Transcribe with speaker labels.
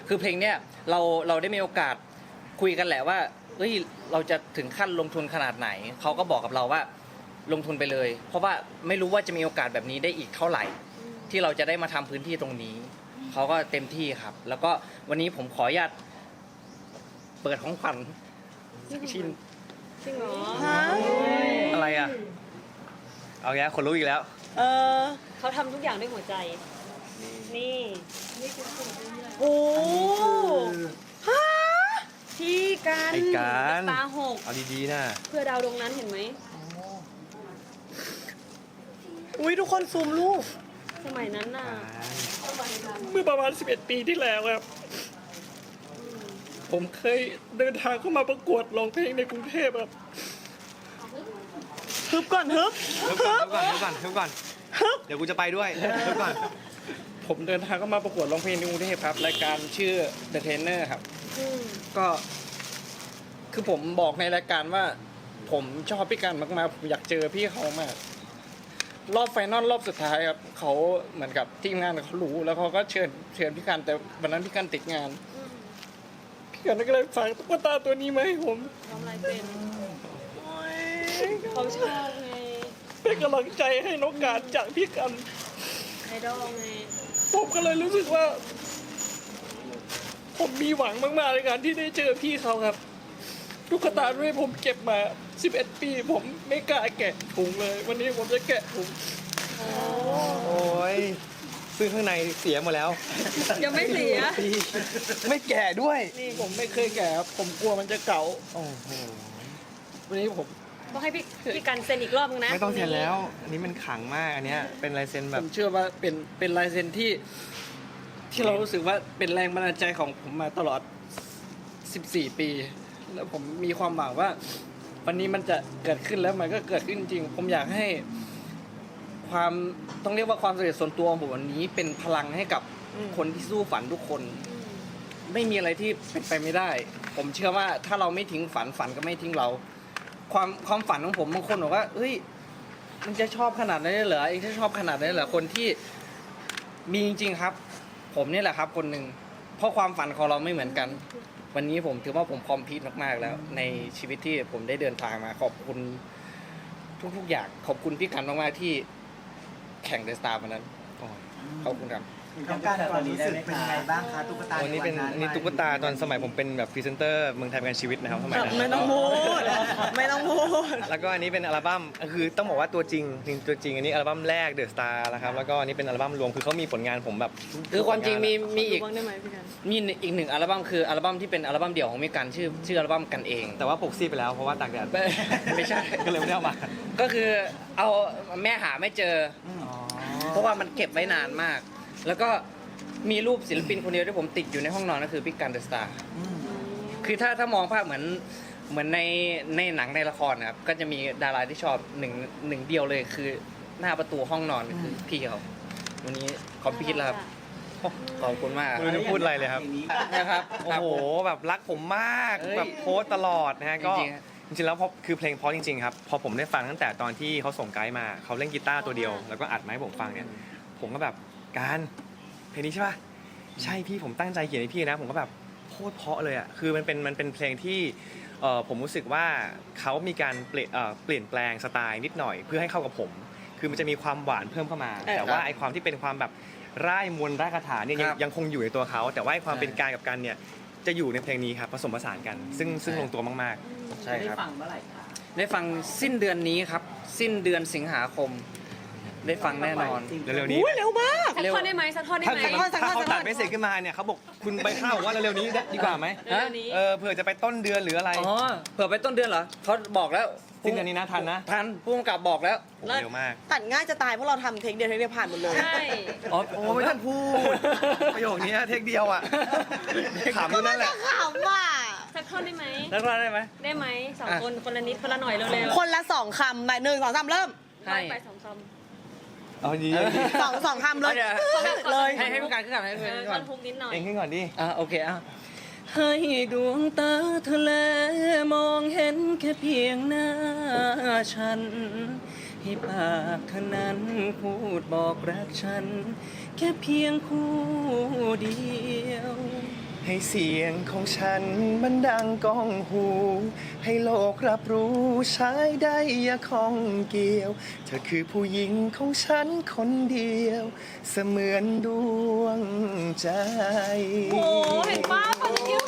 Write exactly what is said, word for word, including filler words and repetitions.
Speaker 1: คือเพลงเนี้ยเราเราได้มีโอกาสคุยกันแหละว่าเฮ้ยเราจะถึงขั้นลงทุนขนาดไหนเขาก็บอกกับเราว่าลงทุนไปเลย เพราะว่าไม่รู้ว่าจะมีโอกาสแบบนี้ได้อีกเท่าไหร่ ที่เราจะได้มาทำพื้นที่ตรงนี้เขาก็เต็มที่ครับ แล้วก็วันนี้ผมขออนุญาตเปิดของขวัญสักชิ้น
Speaker 2: จริงเหรอ
Speaker 3: อะไรอ่ะเอาแกคนรู้อีกแล้ว
Speaker 2: เออเขาทำทุกอย่างด้วยหัวใจ นี่
Speaker 4: โอ้ฮะพี่กัน
Speaker 3: ไอ้การ
Speaker 2: ตาหก
Speaker 3: เอาดีๆนะ
Speaker 2: เพื่อดาวดวงนั้นเห็นไหม
Speaker 4: อุ้ยทุกคนซูมรูป
Speaker 2: สมัยนั้นน่ะ
Speaker 1: เมื่อประมาณสิบเอ็ดปีที่แล้วครับ ผมเคยเดินทางเข้ามาประกวดร้องเพลงในกรุงเทพครับ
Speaker 4: ฮึบก่อนฮึบ
Speaker 3: เดี๋ยวก่อนเดี๋ยวก่อนเดี๋ยวก่อนเดี๋ยวกูจะไปด้วยเดี๋ยวก่อน
Speaker 1: ผมเดินทางเข้ามาประกวดร้องเพลงในกรุงเทพครับรายการชื่อ The Trainer ครับ
Speaker 2: อืม
Speaker 1: ก็คือผมบอกในรายการว่า ผมชอบพี่กันมากๆผมอยากเจอพี่เขามาก รอบไฟนอลรอบสุดท้ายครับเขาเหมือนกับทีมงานเขารู้แล้วเขาก็เชิญเชิญพี่กันแต่วันนั้นพี่กันติดงาน พี่กันก็เลยฝากตุ๊กตาตัวนี้มาให้ผม
Speaker 2: ทำอะไรเป็นเขาชอบไง
Speaker 1: เป็นกำลังใจให้น้องการจากพี่กัน
Speaker 2: ไอดอลไง
Speaker 1: ผมก็เลยรู้สึกว่า ผมมีหวังมากๆในการที่ได้เจอพี่เขาครับตุ๊กตาด้วยผมเก็บมาสิบเอ็ดปีผมไม่กล้าแกะถุงเลย วันนี้ผมจะแกะถุง
Speaker 3: โอ้ยซึ่งข้างในเสียหมดแล้ว
Speaker 2: ยังไม่เสีย
Speaker 3: ไม่แก่ด้วย
Speaker 1: นี่ผมไม่เคยแกะครับผมกลัวมันจะเก่า
Speaker 3: โอ้โห
Speaker 1: วันนี้ผม
Speaker 2: ต้องให้พี่พี่กันเซ็นอีกรอบนึงนะ
Speaker 3: ไม่ต้องเซ็นแล้ว อันนี้มันขลังมากอันเนี้ยเป็นลายเซ็น
Speaker 1: ผ
Speaker 3: แบบ
Speaker 1: มเชื่อว่าเป็นเป็นลายเซ็นที่ ที่เรารู้สึกว่าเป็นแรงบันดาลใจของผมมาตลอดสิบสี่ปี แล้วผมมีความหวังว่า วันนี้มันจะเกิดขึ้นแล้วมันก็เกิดขึ้นจริง ผมอยากให้ ความต้องเรียกว่าความสำเร็จส่วนตัวของผมวันนี้เป็นพลังให้กับคนที่สู้ฝันทุกคน ไม่มีอะไรที่เป็นไปไม่ได้ ผมเชื่อว่าถ้าเราไม่ทิ้งฝันฝันก็ไม่ทิ้งเรา ความความฝันของผมบางคนบอกว่าเฮ้ยมันจะชอบขนาดนั้นเลยเหรอไอ้ที่ชอบขนาดนั้นเหรอคนที่มีจริงๆครับ ผมนี่แหละครับคนหนึ่งเพราะความฝันของเราไม่เหมือนกัน วันนี้ผมถือว่าผมคอมพลีทมากๆแล้ว ในชีวิตที่ผมได้เดินทางมาขอบคุณทุกๆอย่างขอบคุณพี่กันมากๆที่แข่งเดอะสตาร์วันนั้นขอบคุณครับ
Speaker 5: ต้องการความรู้สึกเป็นยังไงบ้างคะตุ๊กตา
Speaker 3: วันนี้เป็นนี่ตุ๊กตาตอนสมัยผมเป็นแบบพรีเซนเตอร์เมืองไทยประกันชีวิตนะครับสมัยนั้น
Speaker 4: ไม่ต้องพูด ไม่ต้องพูด
Speaker 3: แล้วก็อันนี้เป็นอัลบั้มคือต้องบอกว่าตัวจริงจริงตัวจริงอันนี้อัลบั้มแรกเดอะสตาร์นะครับแล้วก็อันนี้เป็นอัลบั้มรวมคือเขามีผลงานผมแบบ
Speaker 1: คือความจริงมีมีอีก
Speaker 2: ดูบ้างได้ไหมพี่กัน
Speaker 1: มีอีกหนึ่งอัลบั้มคืออัลบั้มที่เป็นอัลบั้มเดี่ยวของมิกันชื่อชื่ออัลบั้มกันเอง
Speaker 3: แต่ว่าปกซีดไปแล้วเพราะว่าตากแดด
Speaker 1: ไม่ไม่ใช่
Speaker 3: ก็เลยไม่ได้เอามา
Speaker 1: ก็คือเอาแม่หาไม่เจอ เพราะว่ามันเก็บไว้นานมาก แล้วก็มีรูปศิลปินคนเดียวที่ผมติดอยู่ในห้องนอนก็คือพี่กันเดอะสตาร์คือถ้าถ้ามองภาพเหมือนเหมือนในในหนังในละครนะครับก็จะมีดาราที่ชอบหนึ่งหนึ่งเดียวเลยคือหน้าประตูห้องนอนคือพี่เขาวันนี้คอมพิวต์แล้วครับขอบคุณมาก
Speaker 3: ไม่รู้จะพูดอะไรเลยครับ
Speaker 1: นะครับ
Speaker 3: โอ้โหแบบรักผมมาก
Speaker 1: เอ้ย
Speaker 3: แบบโพสต์ตลอดนะฮะก็
Speaker 1: จริงๆฮะ
Speaker 3: จริงๆแล้วพอคือเพลงเพราะจริงๆครับพอผมได้ฟังตั้งแต่ตอนที่เขาส่งไกด์มาเขาเล่นกีตาร์ตัวเดียวแล้วก็อัดมาให้ผมฟังเนี่ยผมก็แบบการเพลงนี้ใช่ป่ะใช่พี่ผมตั้งใจเขียนให้พี่นะผมก็แบบโคตรเพราะเลยอ่ะคือมันเป็นมันเป็นเพลงที่เอ่อผมรู้สึกว่าเขามีการเปลี่ยนเอ่อเปลี่ยนแปลงสไตล์นิดหน่อยเพื่อให้เข้ากับผม คือมันจะมีความหวานเพิ่มเข้ามา
Speaker 1: เออ
Speaker 3: แต่ว่า
Speaker 1: ครับ
Speaker 3: ไอความที่เป็นความแบบร่ายมวลร่ายคาถาเนี่ยยัง
Speaker 1: ครับ
Speaker 3: ยังคงอยู่ในตัวเขาแต่ว่าไอความ
Speaker 1: ใช่
Speaker 3: เป็นกายกับกันเนี่ยจะอยู่ในเพลงนี้ครับผสมผสานกัน ซึ่งซึ่ง
Speaker 1: ใช่
Speaker 3: ลงตัวมาก
Speaker 1: ใช่ครับ
Speaker 5: ได้ฟังเมื่อไหร่คะ
Speaker 1: ได้ฟังสิ้นเดือนนี้ครับ สิ้นเดือนสิงหาคม ได้ฟังแน่นอน
Speaker 3: ๆเร็วๆนี้
Speaker 4: อุ้ยเร็วมาก
Speaker 2: สักท่อนได้ไหมสักท่อนได้
Speaker 3: ถ้า
Speaker 2: ไหม
Speaker 3: ถ้าถ้าเขาตัดไม่เสร็จขึ้นมาเนี่ยเขาบอกคุณไปข้าวบอกว่าเร็วๆนี้ดีกว่าไหม
Speaker 2: เร็วๆนี้
Speaker 3: เออเผื่อจะไปต้นเดือนหรืออะไร
Speaker 1: อ๋อเผื่อไปต้นเดือนเหรอเขาบอกแล้ว
Speaker 3: สิ้นเดือนนี้นะทันนะ
Speaker 1: ทันผู้กำกับบอกแล้ว
Speaker 3: โอ้โหเร็วมาก
Speaker 4: ตัดง่ายจะตายเพราะเราทำเทคเดียวเทคเดียวผ่านหมดเลย
Speaker 2: ใช่
Speaker 1: อ๋อ
Speaker 3: โอ้ไม่ต้องพูดประโยคนี้เทคเดียวอ่ะขำอยู่นั่นแหละ
Speaker 4: ขำว่ะ
Speaker 2: สักท่อนได้ไหม
Speaker 1: แล้วก็ได้ไหม
Speaker 2: ได้ไหมสอง
Speaker 1: อ่ะ
Speaker 2: คนคนละนิดคนละหน่อยเร็ว
Speaker 4: คนละสองคำไปหนึ่งสองสามเริ่ม
Speaker 2: ๆ
Speaker 1: ให้
Speaker 2: ไปสองค
Speaker 3: เอาดี
Speaker 4: สองสองคำเลย
Speaker 1: เอาเดี๋ยว
Speaker 4: เลย
Speaker 1: ให้ให้ผู้การขึ้นก่อนให้
Speaker 2: ำ
Speaker 1: ผู้
Speaker 2: เอ
Speaker 1: การ
Speaker 2: อ
Speaker 1: ขึ้นก่อน น
Speaker 2: คทุกนิดหน่อย
Speaker 3: เองขึ้นก่อนดิ
Speaker 1: อ่ะโอเคอ่ะให้ดวงตาทะเลมองเห็นแค่เพียงหน้าฉัน ให้ปากเท่านั้นพูดบอกรักฉัน แค่เพียงคู่เดียว
Speaker 3: เให้เสียงของฉันมันดังก้องหู ให้โลกรับรู้ใช้ได้อย่าข้องเกี่ยว เธอคือผู้หญิงของฉันคนเดียว เสมือนดวงใจ
Speaker 2: โอ้เห็นป้าพอจะคิว